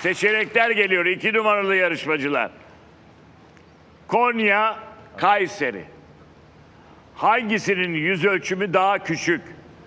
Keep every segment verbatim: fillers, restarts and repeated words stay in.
Seçenekler geliyor. İki numaralı yarışmacılar. Konya, Kayseri. Hangisinin yüz ölçümü daha küçük?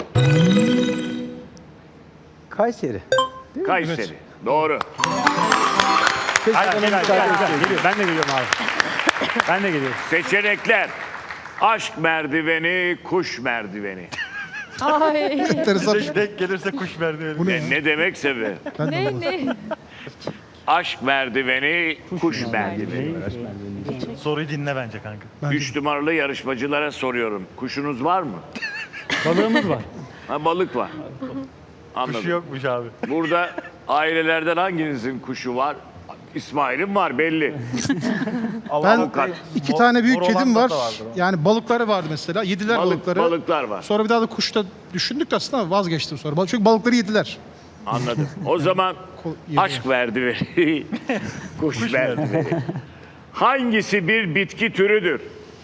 Kayseri. Kayseri. Evet. Doğru. Gel, gel, gel, gel. Geliyor. Ben de geliyorum abi. Ben de geliyorum. Seçenekler. Aşk merdiveni, kuş merdiveni. Ay. Denk gelirse kuş merdiveni. Bu ne? Ne demekse be. ne ne? Aşk merdiveni, kuş, kuş merdiveni. merdiveni. Soruyu dinle bence kanka. Üç numaralı yarışmacılara soruyorum. Kuşunuz var mı? Balığımız var. Ha, balık var. Anladım. Kuşu yokmuş abi. Burada ailelerden hanginizin kuşu var? İsmail'in var belli. Ben Avukat. iki tane büyük Mor olan kedim da var. vardır o. Yani balıkları vardı mesela. Yediler Balık, balıkları. balıklar var. Sonra bir daha da kuşta düşündük de aslında ama vazgeçtim sonra. Bal- Çünkü balıkları yediler. Anladım. O zaman Ko- yediler. aşk merdiveni, kuş, Kuş merdiveni. Hangisi bir bitki türüdür?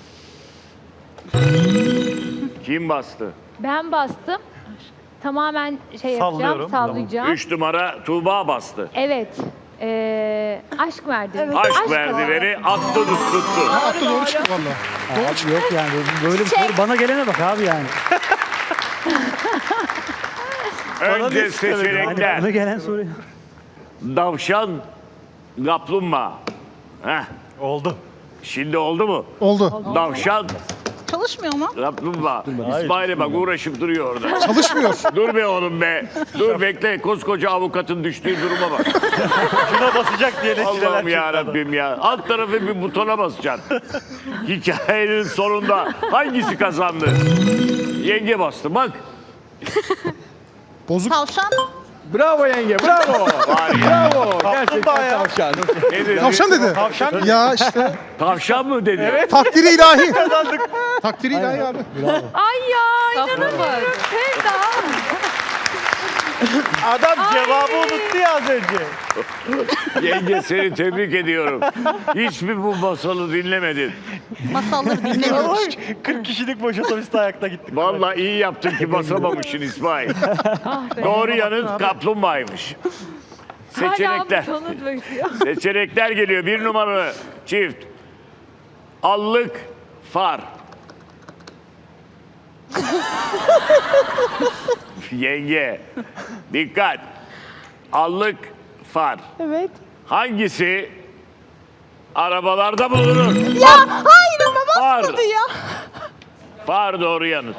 Kim bastı? Ben bastım. Tamamen şey yapacağım, Sallıyorum. sallayacağım. Üç numara Tuğba bastı. Evet. Ee, aşk merdiveni. Aşk merdiveni attı tut- tuttu. Ha, attı doğru çıktı valla. Abi yok yani böyle bir soru bana gelene bak abi yani. Önce ne istemedi? Hani seçenekler. bana gelen soru. Davşan, kaplumbağa. Heh, Oldu. şimdi oldu mu? Oldu. Davşan, Çalışmıyor mu? kaplumbağa. İsmail'e bak uğraşıp duruyor orada. Çalışmıyor. Dur be oğlum be. Dur bekle. Koskoca avukatın düştüğü duruma bak. Şuna basacak diye Allah'ım Allah'ım ya Rabbim ya. Alt tarafı bir butona basacaksın. Hikayenin sonunda hangisi kazandı? Yenge bastı bak. Bozuk. Tavşan. Bravo yenge, bravo. Var ya. Bravo. Gerçekten ya. tavşan. Ne dedi? Tavşan dedi. Tavşan mı? Ya işte Tavşan mı dedi? Evet. takdiri ilahi. Takdiri ilahi abi. Ay ya inanamıyorum. Sevda. Adam cevabı unuttu ya az önce. Yenge seni tebrik ediyorum. Hiçbir bu masalı dinlemedin. Masalları dinlemiyoruz. kırk kişilik boş otobüste ayakta gittik. Vallahi iyi yaptın ki basamamışsın İsmail. Doğru yanıt kaplumbağaymış. Seçenekler. Hala butonu bekliyor. Seçenekler geliyor. Bir numaralı çift. Allık, far. Yenge, dikkat. Allık, far. Evet. Hangisi arabalarda bulunur? Ya hayır ama Far. basmadı ya. Far doğru yanıt.